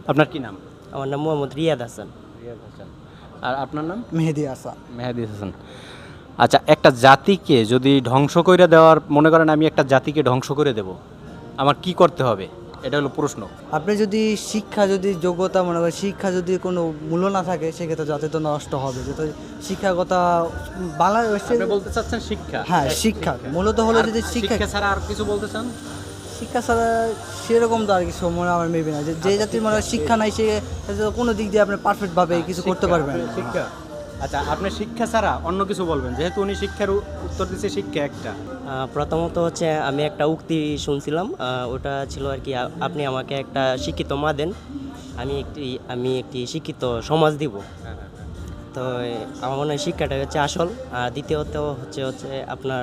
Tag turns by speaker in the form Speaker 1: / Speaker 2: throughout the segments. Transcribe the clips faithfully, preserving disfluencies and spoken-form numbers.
Speaker 1: আপনার কি নাম?
Speaker 2: আমার নাম মোহাম্মদ রিয়াদ হাসান।
Speaker 1: রিয়াদ হাসান। আর আপনার নাম?
Speaker 3: মেহেদি হাসান।
Speaker 1: মেহেদি হাসান। আচ্ছা, একটা জাতিকে যদি ধ্বংস করে দেওয়ার, মনে করেন আমি একটা জাতিকে ধ্বংস করে দেব, আমার কি করতে হবে? এটা হলো প্রশ্ন।
Speaker 3: আপনি যদি শিক্ষা যদি যোগ্যতা মনে করেন, শিক্ষা যদি কোনো মূল্য না থাকে সেক্ষেত্রে জাতি তো নষ্ট হবে। যেহেতু শিক্ষাগত বাংলাদেশে
Speaker 1: আপনি বলতে চাচ্ছেন শিক্ষা?
Speaker 3: হ্যাঁ, শিক্ষা মূলত হলো যদি শিক্ষা
Speaker 1: শিক্ষা ছাড়া আর কিছু বলতে চান?
Speaker 3: শিক্ষা ছাড়া সেরকম তো আর কিছু মনে আমার মেবি না, যে যে জাতির মনে হয় শিক্ষা নাই সে কোনো দিক দিয়ে আপনি পারফেক্টভাবে কিছু করতে পারবেন না।
Speaker 1: শিক্ষা। আচ্ছা, আপনি শিক্ষা ছাড়া অন্য কিছু বলবেন, যেহেতু উনি শিক্ষার উ- উত্তর দিচ্ছে শিক্ষা একটা।
Speaker 2: আহ, প্রথমত হচ্ছে আমি একটা উক্তি শুনছিলাম, আহ, ওটা ছিল আর কি, আ- আপনি আমাকে একটা শিক্ষিত মা দেন, আমি একটি আমি একটি শিক্ষিত সমাজ দিব। তো এ, আমার মনে হয় শিক্ষাটা হচ্ছে আসল। আর দ্বিতীয়ত হচ্ছে হচ্ছে আপনার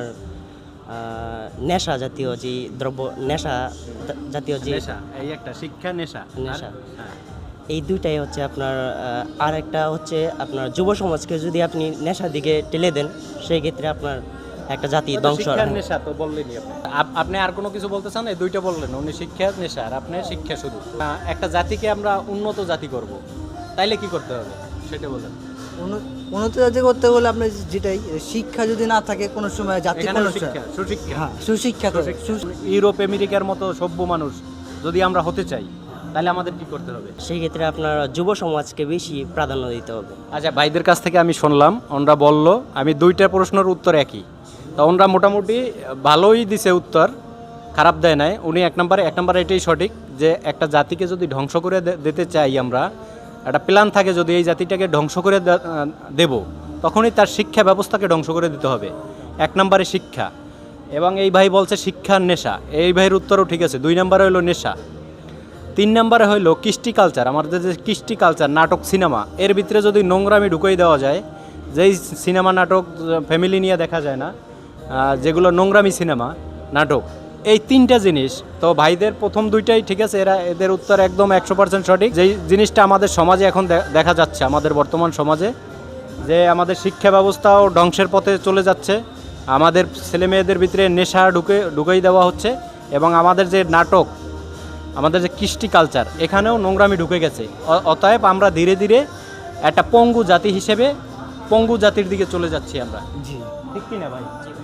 Speaker 2: আহ, নেশা জাতীয় যে দ্রব্য, নেশা জা- জাতীয় যে
Speaker 1: নেশা, এই একটা শিক্ষা, নেশা।
Speaker 2: নেশা।
Speaker 1: আর- হ্যাঁ।
Speaker 2: এই দুইটাই হচ্ছে আপনার। আহ, আর একটা হচ্ছে আপনার যুব সমাজকে যদি আপনি নেশার দিকে ঠেলে দেন, সেই ক্ষেত্রে আপনার একটা জাতি
Speaker 1: ওটা
Speaker 2: ধ্বংস।
Speaker 1: শিক্ষার নেশা তো বললেনই আপনি। আপ- আপনি আর কোনো কিছু বলতে চান? এই দুইটা বললেন, উনি শিক্ষা, নেশা, আর আপনি শিক্ষা শুধু। আহ, একটা জাতিকে আমরা উন্নত জাতি করব, তাইলে কি করতে হবে সেটা বলেন।
Speaker 3: উন্ন- উন্নত জাতি করতে হলে আপনার যেটাই শিক্ষা যদি না থাকে কোনো সময় জাতি
Speaker 1: এখানে
Speaker 3: কোনো
Speaker 1: শিক্ষা, সুশিক্ষা।
Speaker 3: হ্যাঁ সুশিক্ষা তো সু-
Speaker 1: ইউরোপ আমেরিকার মতো সভ্য মানুষ যদি আমরা হতে চাই, তাহলে আমাদের কি করতে হবে?
Speaker 2: সেই ক্ষেত্রে আপনার যুব সমাজকে বেশি প্রাধান্য দিতে হবে।
Speaker 1: আচ্ছা, ভাইদের কাছ থেকে আমি শুনলাম, ওনরা বলল, আমি দুইটা প্রশ্নের উত্তর একই, তো ওনরা মোটামুটি ভালোই দিছে উত্তর, খারাপ দেয় নাই। উনি এক নম্বরে এক নম্বরে এটাই সঠিক যে একটা জাতিকে যদি ধ্বংস করে দে- দিতে চাই আমরা, একটা প্ল্যান থাকে যদি এই জাতিটাকে ধ্বংস করে দে- আহ, দেব, তখনই তার শিক্ষা ব্যবস্থাকে ধ্বংস করে দিতে হবে। এক নম্বরে শিক্ষা। এবং এই ভাই বলছে শিক্ষার নেশা, এই ভাইয়ের উত্তরও ঠিক আছে। দুই নম্বরে হলো নেশা। তিন নম্বরে হইলো কৃষ্টি কালচার, আমাদের যে কৃষ্টি কালচার, নাটক, সিনেমা, এর ভিতরে যদি নোংরামি ঢুকিয়ে দেওয়া যায়, যেই সিনেমা নাটক ফ্যামিলি নিয়ে দেখা যায় না, আহ, যেগুলো নোংরামি সিনেমা নাটক, এই তিনটা জিনিস তো ভাইদের প্রথম দুইটাই ঠিক আছে, এরা এদের উত্তর একদম একশো পার্সেন্ট সঠিক। যেই জিনিসটা আমাদের সমাজে এখন দে- দেখা যাচ্ছে, আমাদের বর্তমান সমাজে, যে আমাদের শিক্ষা ব্যবস্থাও ধ্বংসের পথে চলে যাচ্ছে, আমাদের ছেলে মেয়েদের ভিতরে নেশা ঢুকে ঢুকিয়ে দেওয়া হচ্ছে, এবং আমাদের যে নাটক, আমাদের যে কৃষ্টি কালচার, এখানেও নোংরামি ঢুকে গেছে। অ- অতএব আমরা ধীরে ধীরে একটা পঙ্গু জাতি হিসেবে পঙ্গু জাতির দিকে চলে যাচ্ছি আমরা।
Speaker 3: জি
Speaker 1: ঠিক কি না ভাই?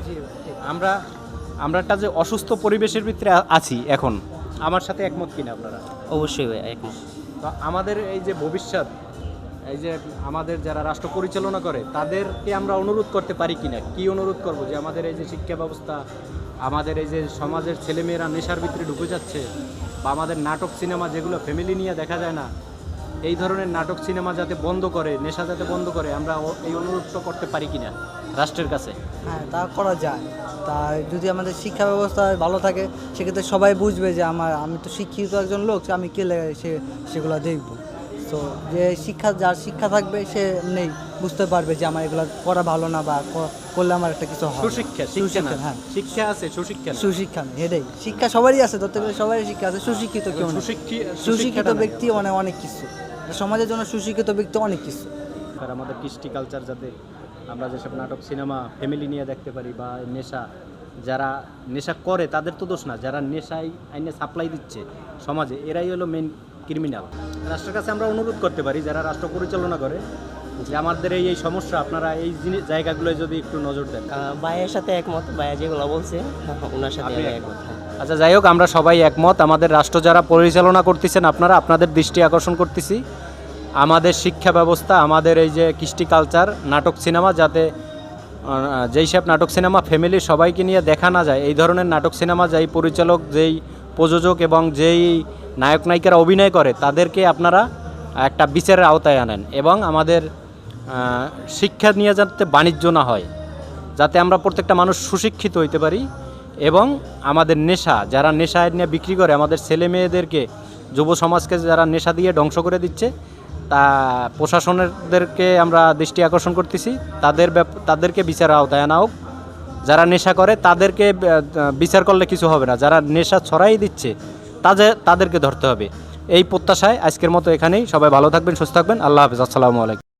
Speaker 1: আমরা আমরা একটা যে অসুস্থ পরিবেশের ভিতরে আ- আছি এখন, আমার সাথে একমত কিনা আপনারা?
Speaker 2: অবশ্যই ভাই, একমত।
Speaker 1: তো আমাদের এই যে ভবিষ্যৎ, এই যে আমাদের যারা রাষ্ট্র পরিচালনা করে, তাদেরকে আমরা অনুরোধ করতে পারি কিনা? কি অনুরোধ করব? যে আমাদের এই যে শিক্ষা ব্যবস্থা, আমাদের এই যে সমাজের ছেলেমেয়েরা নেশার ভিতরে ঢুকে যাচ্ছে, বা আমাদের নাটক সিনেমা যেগুলো ফ্যামিলি নিয়ে দেখা যায় না, এই ধরনের নাটক সিনেমা যাতে বন্ধ করে, নেশা যাতে বন্ধ করে, আমরা ও- এই অনুরোধটা করতে পারি কিনা রাষ্ট্রের কাছে?
Speaker 3: হ্যাঁ, তা করা যায়। তা যদি আমাদের শিক্ষা ব্যবস্থা ভালো থাকে সেক্ষেত্রে সবাই বুঝবে যে আমার আমি তো শিক্ষিত একজন লোক, আমি কে লে- সে সেগুলো দেখব। তো যে শিক্ষা, যার শিক্ষা থাকবে সে নেই বুঝতে পারবে যে আমার এগুলো করা ভালো না, বা ক- করলে আমার একটা কিছু হবে।
Speaker 1: সুশিক্ষা, শিক্ষা না,
Speaker 3: সুশিক্ষা, হ্যাঁ।
Speaker 1: শিক্ষা আছে, সুশিক্ষা না।
Speaker 3: সুশিক্ষা নেই, এটাই শিক্ষা সবারই আছে, ধরতে গেলে সবারই শিক্ষা আছে, সুশিক্ষিত কেউ নেই।
Speaker 1: সুশিক্ষি-
Speaker 3: সুশিক্ষিত
Speaker 1: সুশিক্ষাটা নাই।
Speaker 3: ব্যক্তি মানে অনেক কিছু, সমাজের জন্য সুশিক্ষিত ব্যক্তি অনেক কিছু।
Speaker 1: আর আমাদের কৃষ্টি কালচার, যাতে আমরা যেসব নাটক সিনেমা ফ্যামিলি নিয়ে দেখতে পারি, বা নেশা, যারা নেশা করে তাদের তো দোষ না, যারা নেশায় আইনে সাপ্লাই দিচ্ছে সমাজে, এরাই হলো মেন ক্রিমিনাল। রাষ্ট্রের কাছে আমরা অনুরোধ করতে পারি, যারা রাষ্ট্র পরিচালনা করে, যে আমাদের এই এই সমস্যা, আপনারা এই জিনিস জায়গাগুলোয় যদি একটু নজর দেন।
Speaker 2: আহ, ভাইয়ের সাথে একমত, ভাইয়া যেগুলো বলছে ওনার সাথে
Speaker 1: আপনি
Speaker 2: আমি
Speaker 1: একমত?
Speaker 2: একমত। হ্যাঁ।
Speaker 1: আচ্ছা, যাই হোক, আমরা সবাই একমত। আমাদের রাষ্ট্র যারা পরিচালনা করতেছেন, আপনারা, আপনাদের দৃষ্টি আকর্ষণ করতেছি, আমাদের শিক্ষা ব্যবস্থা, আমাদের এই যে কৃষ্টি কালচার, নাটক সিনেমা, যাতে আহ, যেই সব নাটক সিনেমা ফ্যামিলি সবাইকে নিয়ে দেখা না যায়, এই ধরনের নাটক সিনেমা যেই পরিচালক, যেই প্রযোজক এবং যেই নায়ক নায়িকারা অভিনয় করে, তাদেরকে আপনারা একটা বিচারের আওতায় আনেন, এবং আমাদের আহ, শিক্ষা নিয়ে যাতে বাণিজ্য না হয়, যাতে আমরা প্রত্যেকটা মানুষ সুশিক্ষিত হইতে পারি, এবং আমাদের নেশা, যারা নেশা নিয়ে বিক্রি করে, আমাদের ছেলে মেয়েদেরকে, যুব সমাজকে যারা নেশা দিয়ে ধ্বংস করে দিচ্ছে, তা প্রশাসনেরদেরকে আমরা দৃষ্টি আকর্ষণ করতেছি, তাদের ব্যাপ- তাদেরকে বিচারের আওতায় আনা হোক। যারা নেশা করে তাদেরকে আহ, বিচার করলে কিছু হবে না, যারা নেশা ছড়াই দিচ্ছে তাদের তাদেরকে ধরতে হবে। এই প্রত্যাশায় আজকের মতো এখানেই। সবাই ভালো থাকবেন, সুস্থ থাকবেন। আল্লাহ হাফেজ। আসসালামু আলাইকুম।